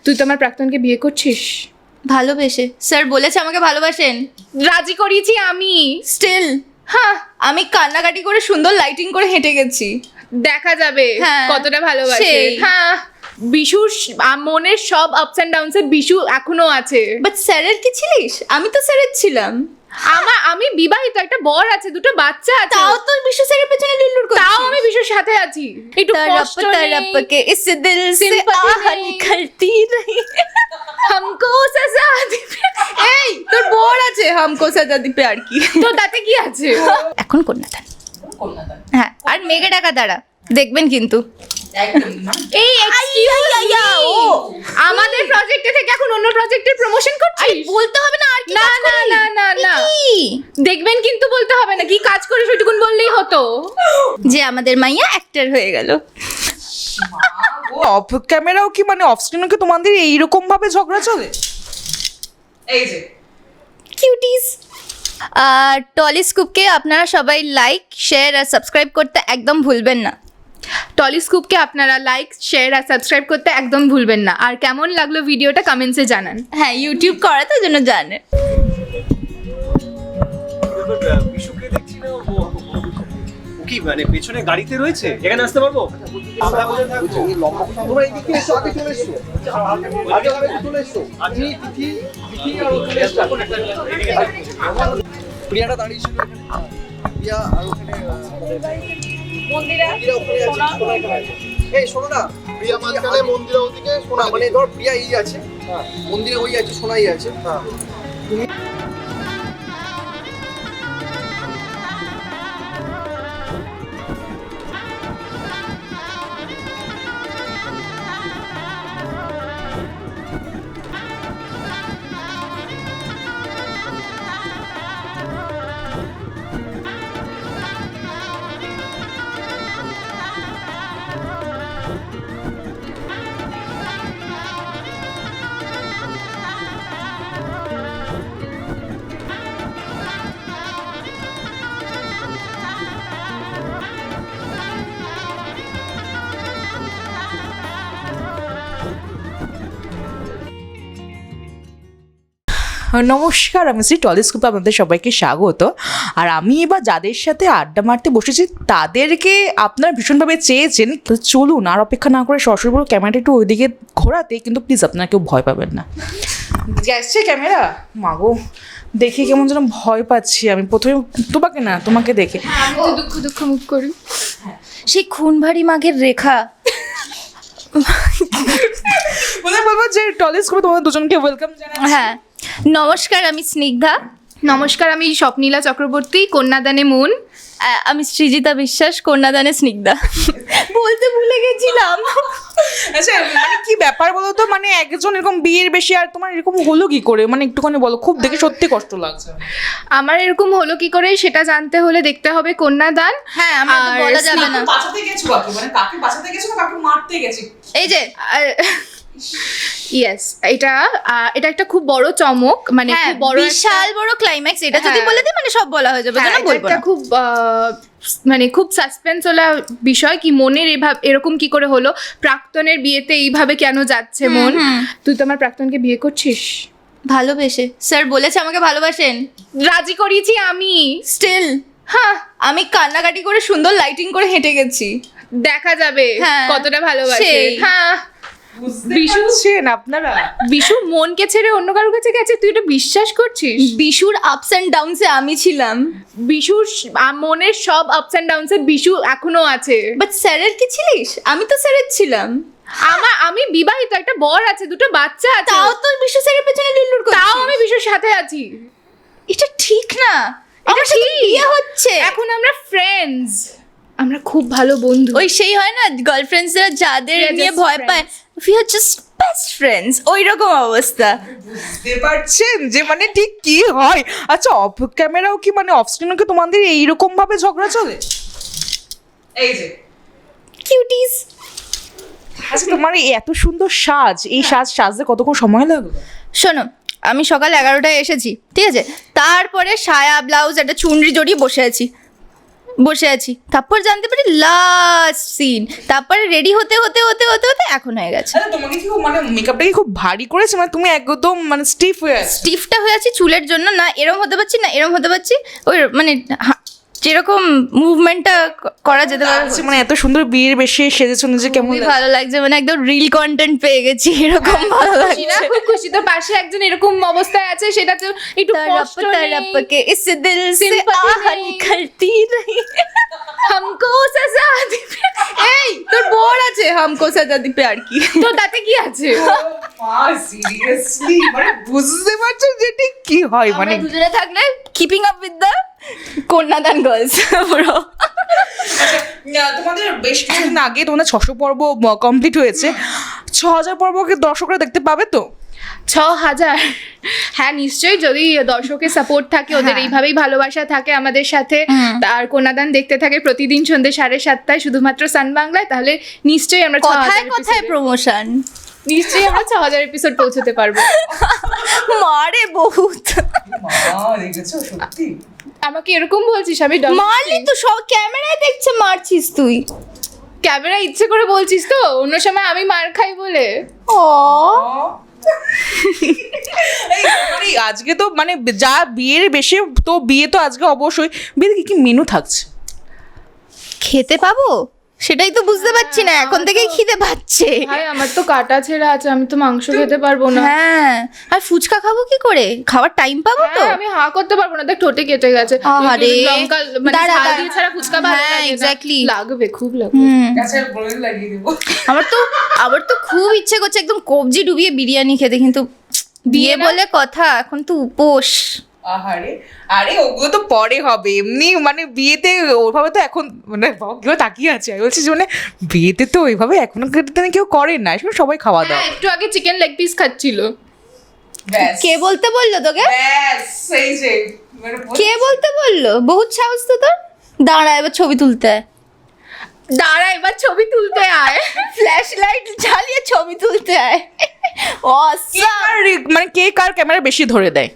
তুই তো আমার প্রাক্তনকে বিয়ে করছিস? ভালোবেসে। স্যার বলেছে আমাকে ভালোবাসেন। রাজি করিয়েছি আমি। স্টিল হ্যাঁ, আমি কান্নাকাটি করে সুন্দর লাইটিং করে হেঁটে গেছি। দেখা যাবে হ্যাঁ, কতটা ভালোবাসে। সেই। হ্যাঁ, বিশুর মনের সব আপস অ্যান্ড ডাউনস বিশু এখনো আছে। বাট স্যারের কি ছিলিস? আমি তো স্যারের ছিলাম। আমি বিবাহিত, একটা বর আছে, দুটো বাচ্চা আছে। তাও তো বিশ্ব স্যারের পেছনে লুল্লুর করছিস। তাও আমি বিশুর সাথে আছি। একটু কষ্ট নেই। तरफ के इस दिल से Sympathy आह নেই। निकलती रही। हमको सजा दे। এই তোর বর আছে হামকো সাজা দি প্যার কি। তো তাতে কি আছে? এখন কন্যাদান। হ্যাঁ, আর মেঘে ডাকা দ্বারা দেখবেন কিন্তু। এই excuse me, আমাদের প্রজেক্টে থেকে এখন অন্য প্রজেক্টের প্রমোশন করছিস? বলতে হবে না আর কি না কাজ না করি? না না না, কি? দেখবেন কিন্তু বলতে হবে না। কি কাজ করিস ওইটুকুন বললেই হতো। যে আমাদের মাইয়া অ্যাক্টর হয়ে গেল। অফ ক্যামেরাও কি মানে অফ স্ক্রিনও কি তোমাদের এইরকম ভাবে ঝগড়া চলে? এই যে কিউটিস। আর টলিস্কোপকে আপনারা সবাই লাইক শেয়ার আর সাবস্ক্রাইব করতে একদম ভুলবেন না। টলিস্কোপকে আপনারা লাইক শেয়ার আর সাবস্ক্রাইব করতে একদম ভুলবেন না। আর কেমন লাগলো ভিডিওটা কমেন্টসে জানান। হ্যাঁ, ইউটিউব করা তো জন্য জানে। বিশুকে দেখছি না, ও কি মানে পেছনে গাড়িতে রয়েছে? এখানে আসতে পারবো? আমরা কোথায় থাকবো? তোমরা এদিকে এসো, আগে চলে এসো, আগে চলে এসো। আমি তিথি আর ও চলে এসো। প্রিয়াটা দাঁড়িয়ে ছিল এখানে। প্রিয়া আর ওখানে মন্দিরা ওখানে আছে, সোনা এখানে আছে। এই শোনো না, প্রিয়া মাঝখানে, মন্দিরা ওদিকে, সোনা মানে ধর প্রিয়া এই আছে, মন্দিরে ওই আছে, সোনাই আছে। নমস্কার, আমি শ্রী টলিস্কোপে আপনাদের সবাইকে স্বাগত। আর আমি এবার যাদের সাথে আড্ডা মারতে বসেছি তাদেরকে আপনারা ভীষণভাবে চেয়েছেন, তো চলুন আর অপেক্ষা না করে সরাসরি বড় ক্যামেরাটা একটু ওইদিকে ঘোরাতে, কিন্তু প্লিজ আপনারা কেউ ভয় পাবেন না। যাচ্ছে ক্যামেরা, মাগো দেখে কেমন যেন ভয় পাচ্ছি আমি প্রথমে, তোমাকে না তোমাকে দেখে। আমি তো দুঃখ দুঃখ মুখ করি। সেই খুনভারি মাঘের রেখা। বলবো যে টলিস্কোপে তোমাদের দুজনকে ওয়েলকাম জানাই। হ্যাঁ, নমস্কার, আমি স্নিগ্ধা। নমস্কার, আমি স্বপ্নীলা চক্রবর্তী, কন্যাদানে মন। আমি সৃজিতা বিশ্বাস, কন্যাদানে স্নিগ্ধা। বলতে ভুলে গেছিলাম। আচ্ছা, মানে কি ব্যাপার বলো তো, মানে একজন এরকম বিয়ের বেশি আর তোমার এরকম হলো কি করে, মানে একটুখানি বলো, খুব দেখে সত্যি কষ্ট লাগছে। আমার এরকম হলো কি করে সেটা জানতে হলে দেখতে হবে কন্যাদান। হ্যাঁ, আমার তো আর বলা যাবে না। বাঁচাতে গেছো কাকে, মানে কাকে বাঁচাতে গেছো না কাকে মারতে গেছি? এই যে ইয়েস, এটা একটা খুব বড় চমক, মানে হ্যাঁ, খুব বড় বিশাল বড় ক্লাইম্যাক্স। এটা যদি হ্যাঁ। বলে দিই মানে সব বলা হয়ে যাবে, হ্যাঁ, জানো এটা বলবো একটা না। খুব মানে খুব সাসপেন্স ওলা বিষয়, কি মনের এরকম কি করে হলো, প্রাক্তনের বিয়েতে এইভাবে কেন যাচ্ছে মন। তুই তো আমার প্রাক্তনকে বিয়ে করছিস? ভালোবেসে। স্যার বলেছে আমাকে ভালোবাসেন। রাজি করিয়েছি আমি। স্টিল হ্যাঁ, আমি কান্নাকাটি করে সুন্দর লাইটিং করে হেঁটে গেছি। দেখা যাবে হ্যাঁ, কতটা ভালোবাসে। সেই। হ্যাঁ, বিশু আপনারা বিশু মনকে ছেড়ে অন্য কারোর কাছে গেছে, তুই এটা বিশ্বাস করছিস? বিশুর আপস অ্যান্ড ডাউনসে আমি ছিলাম। বিশুর মনের সব আপস অ্যান্ড ডাউনস বিশু এখনো আছে। বাট স্যারের কি ছিলিস? আমি তো স্যারের ছিলাম। আমি বিবাহিত, একটা বর আছে, দুটো বাচ্চা আছে। তাও তো বিশ্ব স্যারের পেছনে লুল্লুর করছিস। তাও আমি বিশুর সাথে আছি। এটা ঠিক না। এটা আমার সাথে ঠিক। বিয়ে হচ্ছে। এখন আমরা ফ্রেন্ডস, আমরা খুব ভালো বন্ধু। ওই সেই হয় না গার্লফ্রেন্ডসরা যাদের We are নিয়ে just ভয় পায়, we are just best friends, ওই রকম অবস্থা। বুঝতে পারছেন যে মানে ঠিক কি হয়? আচ্ছা, অফ ক্যামেরাও কি মানে অফ স্ক্রিনও কি তোমাদের এইরকম ভাবে ঝগড়া চলে? এই যে কিউটিস। আচ্ছা, তোমার এই এত সুন্দর সাজ, এই সাজতে কতক্ষণ সময় লাগলো? শোনো, আমি সকাল 11টায় এসেছি, ঠিক আছে? তারপরে সায়া ব্লাউজ একটা চুনরি জড়িয়ে বসে আছি। বসে আছি, তারপর জানতে পারি লাস্ট সিন, তারপরে রেডি হতে হতে হতে হতে হতে এখন হয়ে গেছে। আচ্ছা তোমাকে কি মানে মেকআপটা কি খুব ভারী করেছে, মানে তুমি একদম মানে স্টিফ হয়ে আছো? স্টিফটা হয়ে আছি চুলের জন্য, না এরম হতে পারছি না এরম হতে পারছি, ওই মানে যেরকম মুভমেন্টটা করা যেতে পারে। আচ্ছা, মানে এত সুন্দর বিয়ের বেশে সেজেছো নিজে, কেমন খুবই লাগছে? ভালো লাগছে, মানে একদম রিল কন্টেন্ট পেয়ে গেছি, এরকম ভালো খুশি না? লাগছে। খুব খুশি। তো পাশে একজন এরকম অবস্থায় আছে, সেটা তো একটু কষ্ট तरप নেই। के इस दिल से Sympathy आह नहीं। निकलती नहीं। হামকো সাজা দি এই তোর বর আছে হামকো সাজা দি প্যার কি। তো তাতে কি আছে? সিরিয়াসলি মানে বুঝতে পারছো যে ঠিক কি হয়, মানে আমরা দুজনে থাকলে keeping up with the Kanyadaan girls bro. তোমাদের বেশ কিছুদিন আগে তোমাদের 600 পর্ব কমপ্লিট হয়েছে, 6000 পর্বকে দর্শকরা দেখতে পাবে তো? 6000? হ্যাঁ নিশ্চয়ই, যদি দর্শকের সাপোর্ট থাকে, ওদের হ্যাঁ। এইভাবেই ভালোবাসা থাকে আমাদের সাথে, আর কন্যাদান দেখতে থাকে প্রতিদিন সন্ধ্যে 7:30 শুধুমাত্র সান বাংলায়, তাহলে নিশ্চয়ই আমরা কথায় কথায় প্রমোশন নিশ্চয়ই আমরা 6000 এপিসোড পৌঁছতে পারবো। মারে বহুত। দেখেছো সত্যি? আমাকে এরকম বলছিস? আমি মারলি তো, সব ক্যামেরায় দেখছে মারছিস তুই। ক্যামেরা ইচ্ছে করে বলছিস তো, অন্য সময় আমি মার খাই বলে। ও এই মানে আজকে তো মানে যা বিয়ের বেশি, তো বিয়ে তো আজকে অবশ্যই, বিয়েতে কি কি মেনু থাকছে? খেতে পাবো সেটাই তো বুঝতে পারছি না, এখন থেকেই খিদে পাচ্ছে। ভাই আমার তো কাটা ছেঁড়া আছে, আমি তো মাংস খেতে পারবো না। হ্যাঁ, আর ফুচকা খাবো কি করে, খাওয়ার টাইম পাবো তো? হ্যাঁ, আমি হাঁ করতে পারবো না, দেখ ঠোঁটে কেটে গেছে। আহারে। লঙ্কা মানে দাঁড়া, ঝাল দাঁড়া। দিয়ে ছাড়া ফুচকা ভালো হ্যাঁ, লাগে না। exactly. লাগবে, খুব লাগবে। আচ্ছা বলে লাগিয়ে দেবো। আমার তো খুব ইচ্ছে করছে একদম কবজি ডুবিয়ে বিরিয়ানি খেতে, কিন্তু বিয়ে না? বলে কথা, এখন তো উপোস। আহারে, আরে ওগুলো তো পরে হবে, এমনি মানে বিয়েতে ওইভাবে তো এখন মানে বাবা কেউ তাকিয়ে আছে, আমি বলছি যে মানে বিয়েতে তো ওইভাবে এখনকার দিনে কেউ করে না, এখন সবাই খাওয়া দাওয়া। হ্যাঁ, একটু আগে চিকেন লেগ পিস খাচ্ছিল। ব্যাস কে বলতে বললো তোকে? ব্যাস সেই যে মানে কে বলতে বললো? বহুত সাহস তো তোর। দাঁড়া এবার ছবি তুলতে আয়। দাঁড়া এবার ছবি তুলতে আয়। ফ্ল্যাশ লাইট জ্বালিয়ে ছবি তুলতে আয়। কে মানে কে কার ক্যামেরা বেশি ধরে দেয়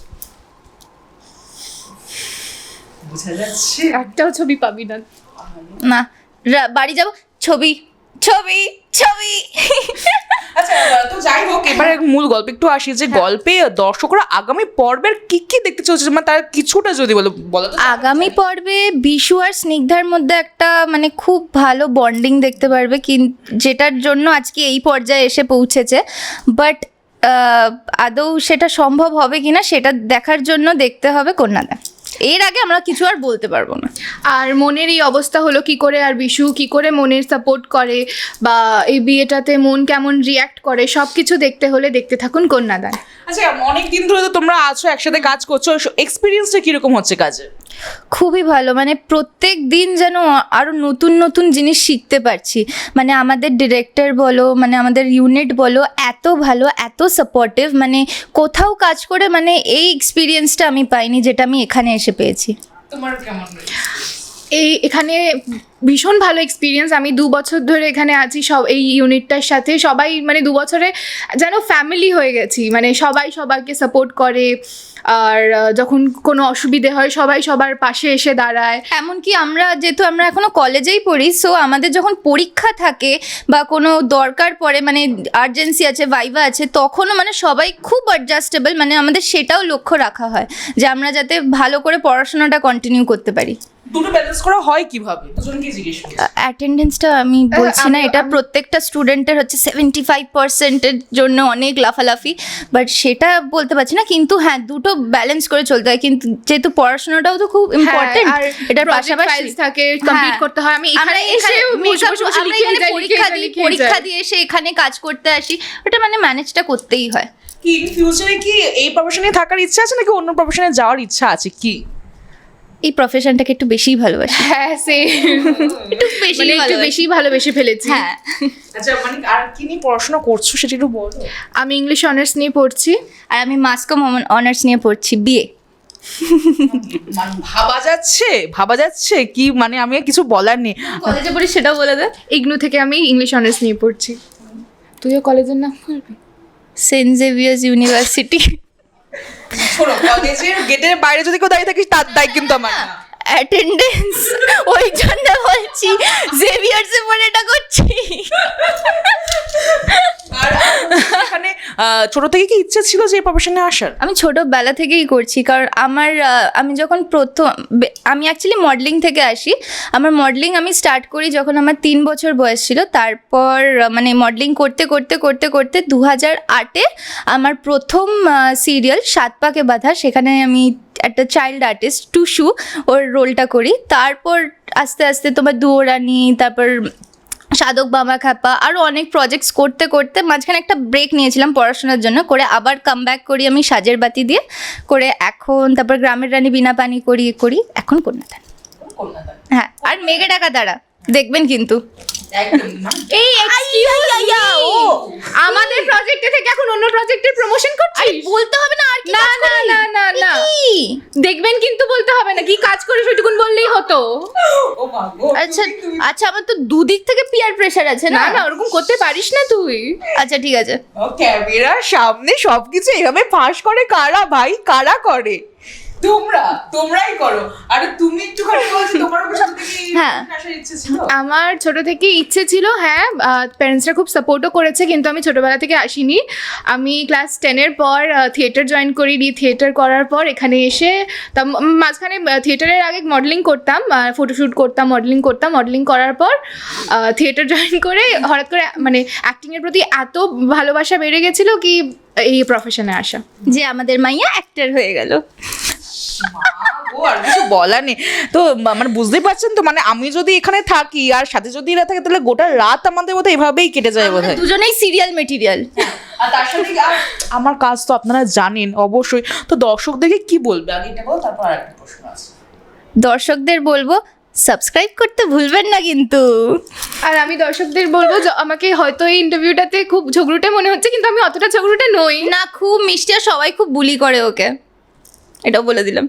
বোঝা যাচ্ছে। একটাও ছবি পাবি না। না বাড়ি যাব, ছবি ছবি ছবি। আচ্ছা তো যাই হোক, এবারে মূল গল্প একটু আসি, যে গল্পে দর্শকরা আগামী পর্বের কি কি দেখতে চলছে, মানে তার কিছুটা যদি বলো তো। আগামী পর্বে বিশু আর স্নিগ্ধার মধ্যে একটা মানে খুব ভালো বন্ডিং দেখতে পারবে, যেটার জন্য আজকে এই পর্যায়ে এসে পৌঁছেছে, বাট আদৌ সেটা সম্ভব হবে কিনা সেটা দেখার জন্য দেখতে হবে কন্যাদান। এর আগে আমরা কিছু আর বলতে পারবো না। আর মনের এই অবস্থা হলো কি করে, আর বিশু কি করে মনের সাপোর্ট করে, বা এই বিয়েটাতে মন কেমন রিয়াক্ট করে, সব কিছু দেখতে হলে দেখতে থাকুন কন্যাদান। আচ্ছা অনেক দিন ধরে তো তোমরা আছো একসাথে কাজ করছো, এক্সপিরিয়েন্সটা কিরকম হচ্ছে কাজে? খুবই ভালো, মানে প্রত্যেক দিন যেন আরও নতুন নতুন জিনিস শিখতে পারছি। মানে আমাদের ডিরেক্টর বলো, মানে আমাদের ইউনিট বলো, এত ভালো, এত সাপোর্টিভ, মানে কোথাও কাজ করে মানে এই এক্সপিরিয়েন্সটা আমি পাইনি যেটা আমি এখানে এসে পেয়েছি। তোমার কেমন? এখানে ভীষণ ভালো এক্সপিরিয়েন্স। আমি 2 বছর ধরে এখানে আছি, সব এই ইউনিটটার সাথে সবাই মানে 2 বছরে যেন ফ্যামিলি হয়ে গেছি, মানে সবাই সবাইকে সাপোর্ট করে, আর যখন কোনো অসুবিধে হয় সবাই সবার পাশে এসে দাঁড়ায়। এমনকি যেহেতু আমরা এখনো কলেজেই পড়ি, সো আমাদের যখন পরীক্ষা থাকে বা কোনো দরকার পড়ে, মানে আর্জেন্সি আছে, ভাইভা আছে, তখনও মানে সবাই খুব অ্যাডজাস্টেবল, মানে আমাদের সেটাও লক্ষ্য রাখা হয় যে আমরা যাতে ভালো করে পড়াশোনাটা কন্টিনিউ করতে পারি। দুটো ব্যালেন্স করা হয় কিভাবে, দুজনকে জিজ্ঞেস করি। অ্যাটেন্ডেন্সটা আমি বলছি না, এটা প্রত্যেকটা স্টুডেন্টের হচ্ছে 75%-এর জন্য অনেক লাফালাফি, বাট সেটা বলতে পারছি না, কিন্তু হ্যাঁ দুটো ব্যালেন্স করে চলতে হয়, কিন্তু যেহেতু পড়াশোনাটাও তো খুব ইম্পর্টেন্ট, আর এটার পাশাপাশি পাশাপাশি থাকে, কমপ্লিট করতে হয়। আমি এখানে এসে পরীক্ষা দিয়ে এসে এখানে কাজ করতে আসি, ওটা মানে ম্যানেজটা করতেই হয়। কি ইন ফিউচারে কি এই প্রফেশনে থাকার ইচ্ছা আছে নাকি অন্য প্রফেশনে যাওয়ার ইচ্ছা আছে কি? এই প্রফেশনটাকে একটু বেশিই ভালোবাসি। হ্যাঁ সে একটু বেশি মানে একটু বেশি ভালোবেসে ফেলেছি। হ্যাঁ। আচ্ছা মানে আর কি নিয়ে পড়াশোনা করছো সেটা একটু বলো। আমি ইংলিশ অনার্স নিয়ে পড়ছি। আর আমি মাস কম অনার্স নিয়ে পড়ছি, বিয়ে। মানে ভাবা যাচ্ছে কি, মানে আমি আর কিছু বলার নেই। কলেজে পড়ি সেটাও বলে দে। ইগনু থেকে আমি ইংলিশ অনার্স নিয়ে পড়ছি। তুইও কলেজের নাম বলবি? Saint Xavier's University. শোনো, কলেজের গেটের বাইরে যদি কেউ দাঁড়িয়ে থাকিস তার দায় কিন্তু আমার না। অ্যাটেন্ডেন্স, ওই জন্য বলছি জেভিয়ার্সে পড়ে এটা করছি। আর এখানে ছোট থেকে কি ইচ্ছে ছিল যে এই প্রফেশনে আসার? আমি ছোটোবেলা থেকেই করছি, কারণ আমি যখন আমি অ্যাকচুয়ালি মডেলিং থেকে আসি। আমার মডেলিং আমি স্টার্ট করি যখন আমার 3 বছর বয়স ছিল। তারপর মানে মডেলিং করতে করতে করতে করতে 2008-এ আমার প্রথম সিরিয়াল 7 পাকে বাঁধা, সেখানে আমি একটা চাইল্ড আর্টিস্ট টুসু ওর রোলটা করি। তারপর আস্তে আস্তে তোমার দুয়োরানি, তারপর সাধক বাবা খ্যাপা, আরও অনেক প্রজেক্টস করতে করতে মাঝখানে একটা ব্রেক নিয়েছিলাম পড়াশোনার জন্য, করে আবার কামব্যাক করি আমি সাজের বাতি দিয়ে, করে এখন তারপর গ্রামের রানী বিনা পানি করি এখন কন্যাদান। হ্যাঁ, আর মেঘে ডাকা দ্বারা দেখবেন কিন্তু। এই আমাদের প্রজেক্টে থেকে এখন অন্য প্রজেক্টের প্রমোশন করছিস? বলতে হবে না আর কি? না না না না না, দেখবেন কিন্তু বলতে হবে না, কি কাজ করিস ওইটুকুন বললেই হতো। আচ্ছা আচ্ছা, আমার তো দুদিক থেকে পিয়ার প্রেশার আছে না না। না, ওরকম করতে পারিস না তুই। আচ্ছা ঠিক আছে। ক্যামেরার সামনে সবকিছু এভাবে ফাঁস করে কারা ভাই? কারা করে? তোমরাই করো। আরে তুমি একটুখানি বলছো তোমার সাথে কি হ্যাঁ। আসার ইচ্ছে ছিল? আমার ছোট থেকে ইচ্ছে ছিল, হ্যাঁ, প্যারেন্টসরা খুব সাপোর্টও করেছে, কিন্তু আমি ছোটোবেলা থেকে আসিনি। আমি ক্লাস 10-এর পর থিয়েটার জয়েন করি, থিয়েটার করার পর এখানে এসে মাঝখানে থিয়েটারের আগে মডেলিং করতাম, ফটোশ্যুট করতাম, মডেলিং করার পর থিয়েটার জয়েন করে হঠাৎ করে মানে অ্যাক্টিংয়ের প্রতি এত ভালোবাসা বেড়ে গেছিলো কি এই প্রফেশনে আসা। যে আমাদের মাইয়া অ্যাক্টর হয়ে গেল। ও আর কিছু বলার নেই তো, মানে বুঝতেই পারছেন তো, মানে আমি যদি এখানে থাকি আর সাথে যদি এরা থাকে তাহলে গোটা রাত আমাদের বোধহয় এভাবেই কেটে যায় বোধহয়। দুজনেই সিরিয়াল মেটেরিয়াল। আর তার সাথে আমার কাজ তো আপনারা জানেন অবশ্যই, তো দর্শকদেরকে কি বলবে আগে এটা বল, তারপর আরেকটা প্রশ্ন আছে। দর্শকদের বলবো সাবস্ক্রাইব করতে ভুলবেন না কিন্তু। আর আমি দর্শকদের বলবো যে আমাকে হয়তো এই ইন্টারভিউটাতে খুব ঝগড়ুটে মনে হচ্ছে, কিন্তু আমি অতটা ঝগড়ুটে নই। না, খুব মিষ্টি আর সবাই খুব বুলি করে ওকে, এটাও বলে দিলাম।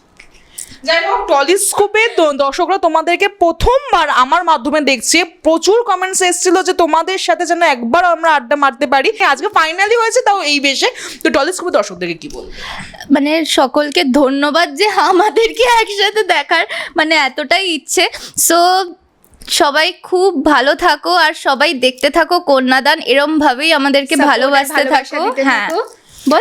যাই হোক, টলিস্কোপে দর্শকরা তোমাদেরকে প্রথমবার আমার মাধ্যমে দেখছে, প্রচুর কমেন্টস এসেছিল যে তোমাদের সাথে যেন একবার আমরা আড্ডা মারতে পারি। আজকে ফাইনালি হয়েছে, তাও এই বেশে। তো টলিস্কোপে দর্শকদেরকে কি বলবো? মানে সকলকে ধন্যবাদ যে আমাদেরকে একসাথে দেখার মানে এতটাই ইচ্ছে। সো সবাই খুব ভালো থাকো আর সবাই দেখতে থাকো কন্যাদান, এরম ভাবেই আমাদেরকে ভালোবাসতে থাকো। হ্যাঁ বল,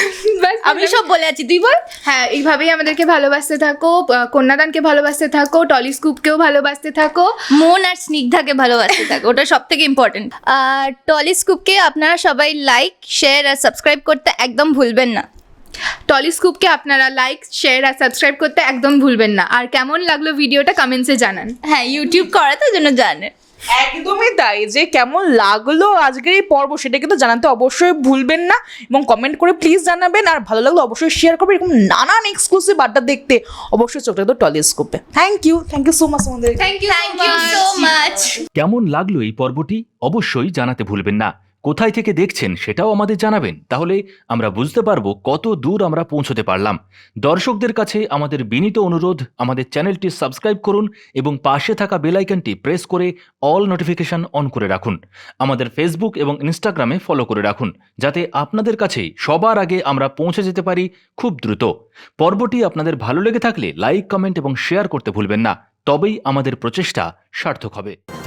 আমি সব বলে আছি, তুই বল। হ্যাঁ, এইভাবেই আমাদেরকে ভালোবাসতে থাকো, কন্যাদানকে ভালোবাসতে থাকো, টলিস্কোপকেও ভালোবাসতে থাকো, মন আর স্নিগ্ধাকে ভালোবাসতে থাকো, ওটা সব থেকে ইম্পর্টেন্ট। আর টলিস্কোপকে আপনারা সবাই লাইক, শেয়ার আর সাবস্ক্রাইব করতে একদম ভুলবেন না। টলিস্কোপকে আপনারা লাইক, শেয়ার আর সাবস্ক্রাইব করতে একদম ভুলবেন না। আর কেমন লাগলো ভিডিওটা কমেন্টসে জানান। হ্যাঁ, ইউটিউব করা তো জন্য জানে। একদমই তাই, যে কেমন লাগলো আজকের এই পর্ব সেটা কিন্তু জানাতে অবশ্যই ভুলবেন না, এবং কমেন্ট করে প্লিজ জানাবেন। আর ভালো লাগলো অবশ্যই শেয়ার করবেন। এরকম নানান এক্সক্লুসিভ আড্ডা দেখতে অবশ্যই চোখ রাখতো টলিস্কোপে। থ্যাংক ইউ সো মাচ আমাদের। Thank you so much. কেমন লাগলো এই পর্বটি অবশ্যই জানাতে ভুলবেন না। কোথায় থেকে দেখছেন সেটাও আমাদের জানাবেন, তাহলে আমরা বুঝতে পারবো কত দূর আমরা পৌঁছতে পারলাম। দর্শকদের কাছে আমাদের বিনীত অনুরোধ, আমাদের চ্যানেলটি সাবস্ক্রাইব করুন এবং পাশে থাকা বেল আইকনটি প্রেস করে অল নোটিফিকেশন অন করে রাখুন। আমাদের ফেসবুক এবং ইনস্টাগ্রামে ফলো করে রাখুন, যাতে আপনাদের কাছে সবার আগে আমরা পৌঁছে যেতে পারি খুব দ্রুত। পর্বটি আপনাদের ভালো লেগে থাকলে লাইক, কমেন্ট এবং শেয়ার করতে ভুলবেন না, তবেই আমাদের প্রচেষ্টা সার্থক হবে।